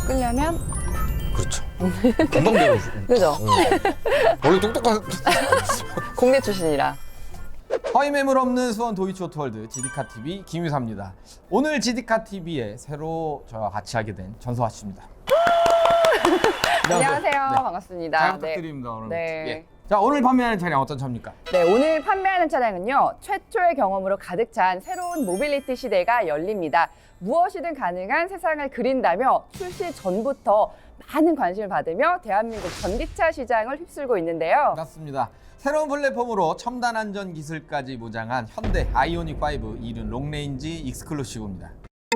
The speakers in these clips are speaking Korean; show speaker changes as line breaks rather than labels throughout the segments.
끌려면
그렇죠. 금방 배우죠.
그죠?
원래 똑똑한.
공대 출신이라.
허위 매물 없는 수원 도이치 오토월드 GD카 TV 김유사입니다. 오늘 GD카 TV에 새로 저와 같이 하게 된 전소아 씨입니다.
안녕하세요.
네.
반갑습니다.
잘 부탁드립니다. 오늘.
네.
예. 자, 오늘 판매하는 차량 어떤 차입니까?
네, 오늘 판매하는 차량은요, 최초의 경험으로 가득 찬 새로운 모빌리티 시대가 열립니다. 무엇이든 가능한 세상을 그린다며 출시 전부터 많은 관심을 받으며 대한민국 전기차 시장을 휩쓸고 있는데요.
맞습니다. 새로운 플랫폼으로 첨단 안전 기술까지 무장한 현대 아이오닉 5 이른 롱레인지 익스클루시브입니다.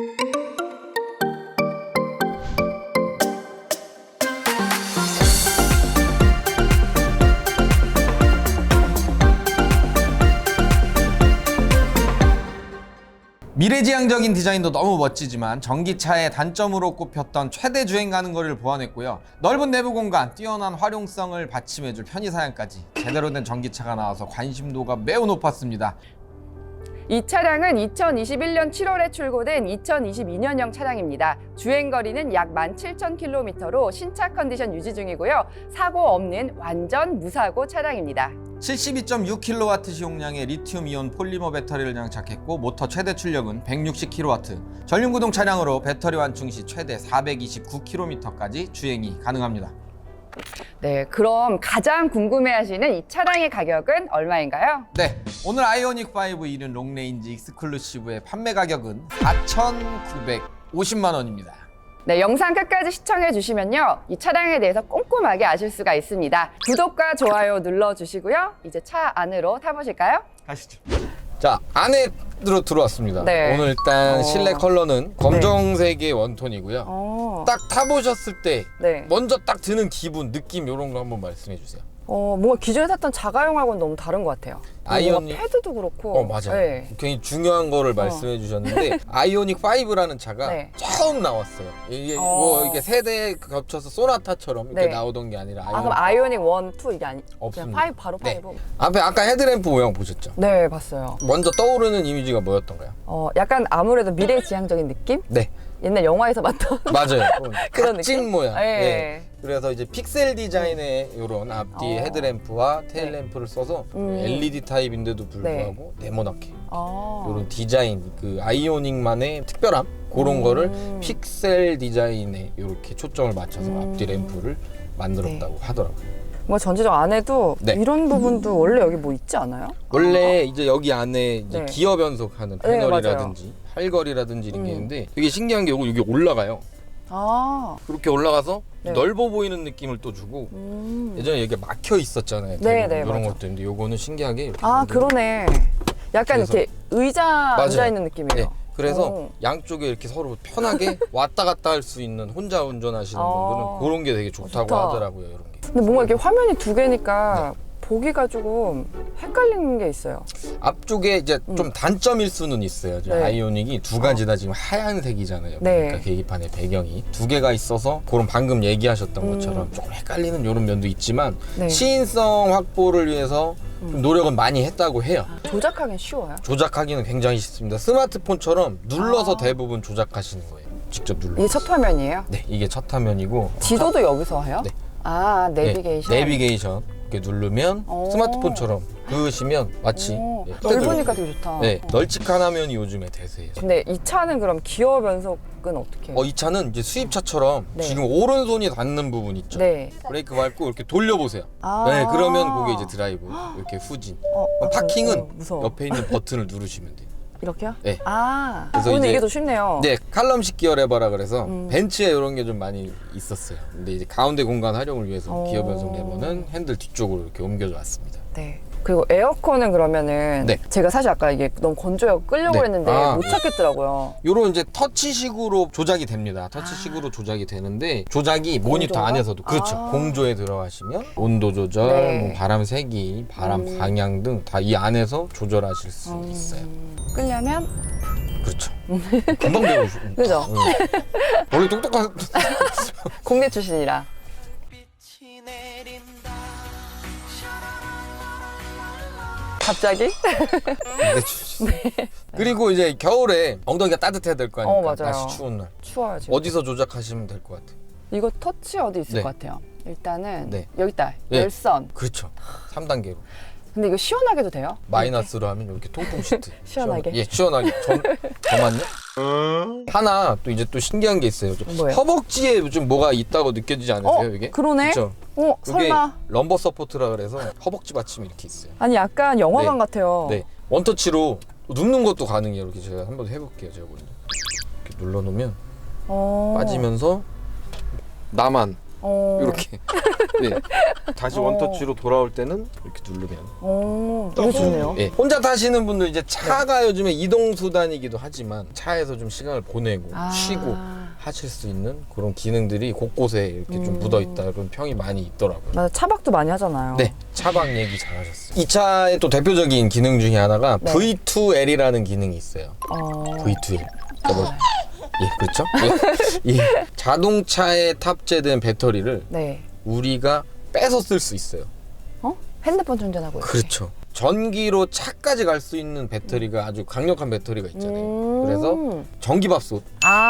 미래지향적인 디자인도 너무 멋지지만 전기차의 단점으로 꼽혔던 최대 주행 가능 거리를 보완했고요. 넓은 내부 공간, 뛰어난 활용성을 받침해줄 편의사양까지 제대로 된 전기차가 나와서 관심도가 매우 높았습니다.
이 차량은 2021년 7월에 출고된 2022년형 차량입니다. 주행거리는 약 17,000km로 신차 컨디션 유지 중이고요. 사고 없는 완전 무사고 차량입니다.
72.6kW 용량의 리튬이온 폴리머 배터리를 장착했고 모터 최대 출력은 160kW, 전륜구동 차량으로 배터리 완충 시 최대 429km까지 주행이 가능합니다.
네, 그럼 가장 궁금해하시는 이 차량의 가격은 얼마인가요?
네, 오늘 아이오닉 5 이른 롱레인지 익스클루시브의 판매 가격은 4,950만 원입니다.
네, 영상 끝까지 시청해 주시면요, 이 차량에 대해서 꼼꼼하게 아실 수가 있습니다. 구독과 좋아요 눌러주시고요. 이제 차 안으로 타보실까요?
가시죠.
자, 안에 들어왔습니다.
네.
오늘 일단 실내 컬러는 검정색의
네.
원톤이고요. 딱 타보셨을 때
네.
먼저 딱 드는 기분, 느낌 이런 거 한번 말씀해 주세요.
뭔가 기존에 탔던 자가용하고는 너무 다른 것 같아요. 뭔가
아이오닉-
패드도 그렇고.
맞아요.
네.
굉장히 중요한 거를 말씀해 주셨는데 아이오닉 5라는 차가
네.
처음 나왔어요. 이게 뭐 이게 세대 겹쳐서 소나타처럼 이렇게
네.
나오던 게 아니라
그럼 아이오닉 1, 2 이게
없습니다.
그냥 5 바로 5?
네. 앞에 아까 헤드램프 모양 보셨죠?
네, 봤어요.
먼저 떠오르는 이미지가 뭐였던가요?
약간 아무래도 미래지향적인 느낌?
네,
옛날 영화에서 봤던.
맞아요.
그런
각진
느낌?
모양.
네.
네. 그래서 이제 픽셀 디자인의 이런 앞뒤 헤드램프와 테일
네.
램프를 써서 LED 타입인데도 불구하고 네모나게 이런 디자인, 그 아이오닉만의 특별함 그런 거를 픽셀 디자인에 이렇게 초점을 맞춰서 앞뒤 램프를 만들었다고 하더라고요.
뭐 전체적 안에도
네.
이런 부분도 원래 여기 뭐 있지 않아요?
원래 이제 여기 안에 이제
네.
기어 변속하는
네,
패널이라든지 활거리라든지 이런 게 있는데 되게 신기한 게 여기 올라가요.
아,
그렇게 올라가서
네.
넓어 보이는 느낌을 또 주고 예전에 여기 막혀 있었잖아요.
네,
대부분
네,
이런
맞아.
것도 있는데 요거는 신기하게 이렇게
아,
만들어-
그러네. 약간
그래서-
이렇게 의자
맞아요.
앉아있는 느낌이에요.
네. 그래서
오.
양쪽에 이렇게 서로 편하게 왔다 갔다 할 수 있는 혼자 운전하시는
아.
분들은 그런 게 되게 좋다고
좋다.
하더라고요. 이런 게.
근데 뭔가 이렇게 화면이 두 개니까 보기가 조금 헷갈리는 게 있어요.
앞쪽에 이제 좀 단점일 수는 있어요. 이제
네.
아이오닉이 두 가지다 지금 하얀색이잖아요.
네.
그러니까 계기판의 배경이 두 개가 있어서 그런 방금 얘기하셨던 것처럼 조금 헷갈리는 이런 면도 있지만
네.
시인성 확보를 위해서 좀 노력은 많이 했다고 해요.
조작하기는 쉬워요.
조작하기는 굉장히 쉽습니다. 스마트폰처럼 눌러서
아.
대부분 조작하시는 거예요. 직접 눌러.
이게 첫 화면이에요?
네, 이게 첫 화면이고
지도도 여기서 해요?
네.
아, 내비게이션.
네, 내비게이션 이렇게 누르면
오.
스마트폰처럼 그으시면 마치
오,
예,
넓으니까 되게 좋다.
네, 널찍한 화면이 요즘에 대세예요.
근데 이 차는 그럼 기어 변속은 어떻게 해요?
이 차는 이제 수입차처럼
네.
지금 오른손이 닿는 부분 있죠.
네.
브레이크 밟고 이렇게 돌려보세요.
아.
네, 그러면 그게 이제 드라이브, 이렇게 후진. 파킹은
무서워.
옆에 있는 버튼을 누르시면 돼요.
이렇게요?
네.
아,
그래서
근데
이제-
이게 더 쉽네요.
네, 칼럼식 기어 레버라 그래서 벤츠에 이런 게 좀 많이 있었어요. 근데 이제 가운데 공간 활용을 위해서 기어 변속 레버는 핸들 뒤쪽으로 이렇게 옮겨져 왔습니다.
네. 그리고 에어컨은 그러면은
네.
제가 사실 아까 이게 너무 건조해서 끌려고
네.
했는데
아.
못 찾겠더라고요.
요런 이제 터치식으로 조작이 됩니다. 터치식으로 조작이 되는데 조작이 모니터
공조가?
안에서도 그렇죠.
아.
공조에 들어가시면 온도 조절,
네.
뭐 바람 세기, 바람 방향 등 다 이 안에서 조절하실 수 있어요.
끌려면
그렇죠. 금방 배우죠.
그죠?
원래 똑똑한.
공대 출신이라. 갑자기?
네, 그리고 이제 겨울에 엉덩이가 따뜻해야 될 거 아닙니까?
맞아요.
날씨 추운 날.
추워요 지금.
어디서 조작하시면 될 것 같아요?
이거 터치 어디 있을
네.
것 같아요. 일단은
네.
여기 있다.
네.
열선.
그렇죠. 3단계로.
근데 이거 시원하게도 돼요?
마이너스로 하면 이렇게 통풍 시트.
시원하게.
예, 시원하게. 저만요? 하나 또 이제 또 신기한 게 있어요. 좀
뭐예요?
허벅지에 좀 뭐가 있다고 느껴지지 않으세요, 이게?
그러네.
그렇죠. 그게
설마.
럼버 서포트라 그래서 허벅지 받침이 이렇게 있어요.
아니 약간 영화관
네.
같아요.
네, 원터치로 눕는 것도 가능해요. 이렇게 제가 한번 해볼게요. 제가 먼저 이렇게 눌러놓으면 빠지면서 나만 이렇게 네. 다시 원터치로 돌아올 때는 이렇게 누르면
이거 좋네요.
네. 혼자 타시는 분들 이제 차가 요즘에 이동 수단이기도 하지만 차에서 좀 시간을 보내고 쉬고 하실 수 있는 그런 기능들이 곳곳에 이렇게 좀 묻어 있다 이런 평이 많이 있더라고요.
맞아, 차박도 많이 하잖아요.
네, 차박 얘기 잘하셨어요. 이 차의 또 대표적인 기능 중에 하나가
네.
V2L이라는 기능이 있어요. V2L. 예, 그렇죠? 예. 자동차에 탑재된 배터리를
네.
우리가 빼서 쓸 수 있어요.
핸드폰 충전하고 이렇게.
그렇죠. 전기로 차까지 갈 수 있는 배터리가 아주 강력한 배터리가 있잖아요. 그래서 전기밥솥,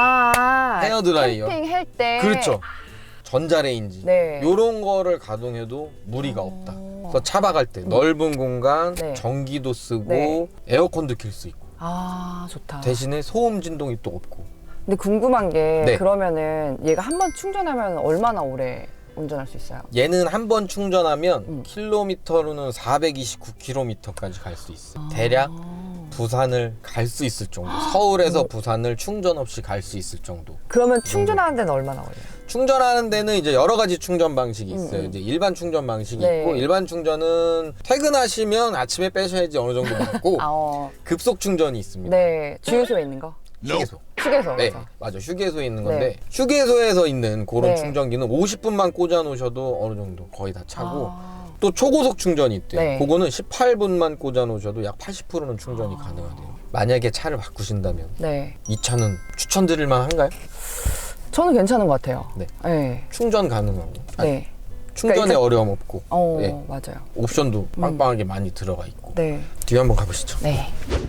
헤어드라이어,
캠핑 할 때.
그렇죠. 전자레인지
네.
이런 거를 가동해도 무리가 없다. 그래서 차박할 때 넓은 공간,
네.
전기도 쓰고
네.
에어컨도 킬 수 있고
좋다.
대신에 소음 진동이 또 없고.
근데 궁금한 게
네.
그러면은 얘가 한 번 충전하면 얼마나 오래 운전할 수 있어요?
얘는 한 번 충전하면 킬로미터로는 429km까지 갈 수 있어요. 대략 부산을 갈 수 있을 정도. 서울에서 부산을 충전 없이 갈 수 있을 정도.
그러면 충전하는 데는 얼마나 걸려요?
충전하는 데는 이제 여러 가지 충전 방식이 있어요. 이제 일반 충전 방식이
네.
있고 일반 충전은 퇴근하시면 아침에 빼셔야지 어느 정도 맞고 급속 충전이 있습니다.
네. 주유소에 있는 거?
휴게소.
휴게소.
네,
맞아.
맞아. 휴게소에 있는 건데
네.
휴게소에서 있는 그런
네.
충전기는 50분만 꽂아 놓으셔도 어느 정도 거의 다 차고 또 초고속 충전이 있대요.
네.
그거는 18분만 꽂아 놓으셔도 약 80%는 충전이 가능하대요. 만약에 차를 바꾸신다면
네.
이 차는 추천드릴 만한가요?
저는 괜찮은 것 같아요.
네.
네.
충전 가능하고
네.
충전에
그러니까
어려움 없고 네.
맞아요.
옵션도 빵빵하게 많이 들어가 있고
네.
뒤에 한번 가보시죠.
네.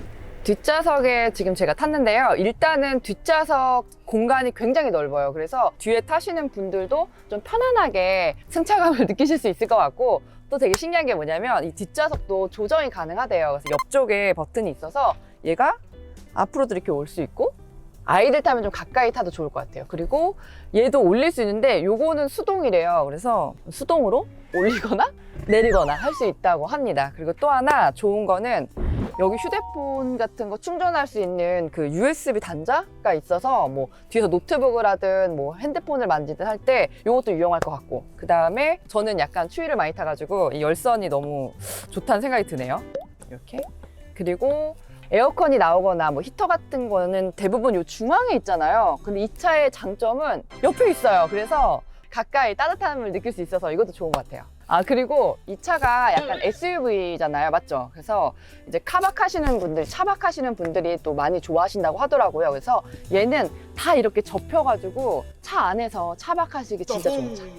뒷좌석에 지금 제가 탔는데요. 일단은 뒷좌석 공간이 굉장히 넓어요. 그래서 뒤에 타시는 분들도 좀 편안하게 승차감을 느끼실 수 있을 것 같고 또 되게 신기한 게 뭐냐면 이 뒷좌석도 조정이 가능하대요. 그래서 옆쪽에 버튼이 있어서 얘가 앞으로도 이렇게 올 수 있고 아이들 타면 좀 가까이 타도 좋을 것 같아요. 그리고 얘도 올릴 수 있는데 요거는 수동이래요. 그래서 수동으로 올리거나 내리거나 할 수 있다고 합니다. 그리고 또 하나 좋은 거는 여기 휴대폰 같은 거 충전할 수 있는 그 USB 단자가 있어서 뭐 뒤에서 노트북을 하든 뭐 핸드폰을 만지든 할 때 이것도 유용할 것 같고 그 다음에 저는 약간 추위를 많이 타가지고 이 열선이 너무 좋다는 생각이 드네요. 이렇게 그리고 에어컨이 나오거나 뭐 히터 같은 거는 대부분 요 중앙에 있잖아요. 근데 이 차의 장점은 옆에 있어요. 그래서 가까이 따뜻함을 느낄 수 있어서 이것도 좋은 것 같아요. 그리고 이 차가 약간 SUV잖아요. 맞죠? 그래서 이제 카박하시는 분들, 차박하시는 분들이 또 많이 좋아하신다고 하더라고요. 그래서 얘는 다 이렇게 접혀가지고 차 안에서 차박하시기 진짜 좋은 차.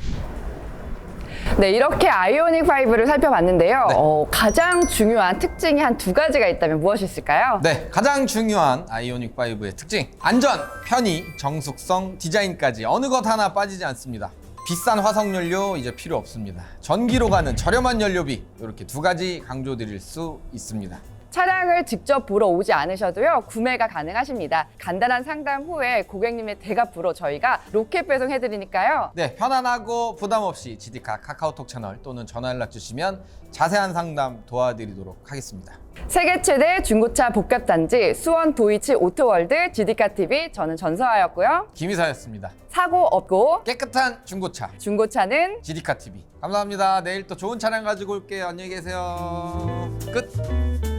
네, 이렇게 아이오닉 5를 살펴봤는데요.
네.
가장 중요한 특징이 한 두 가지가 있다면 무엇이 있을까요?
네, 가장 중요한 아이오닉 5의 특징 안전, 편의, 정숙성, 디자인까지 어느 것 하나 빠지지 않습니다. 비싼 화석연료 이제 필요 없습니다. 전기로 가는 저렴한 연료비 이렇게 두 가지 강조드릴 수 있습니다.
차량을 직접 보러 오지 않으셔도요, 구매가 가능하십니다. 간단한 상담 후에 고객님의 대가부로 저희가 로켓 배송해드리니까요.
네, 편안하고 부담 없이 GD카 카카오톡 채널 또는 전화 연락 주시면 자세한 상담 도와드리도록 하겠습니다.
세계 최대 중고차 복합단지 수원 도이치 오토월드 GD카TV, 저는 전서아였고요.
김이사였습니다.
사고 없고
깨끗한 중고차
중고차는
GD카TV 감사합니다. 내일 또 좋은 차량 가지고 올게요. 안녕히 계세요. 끝.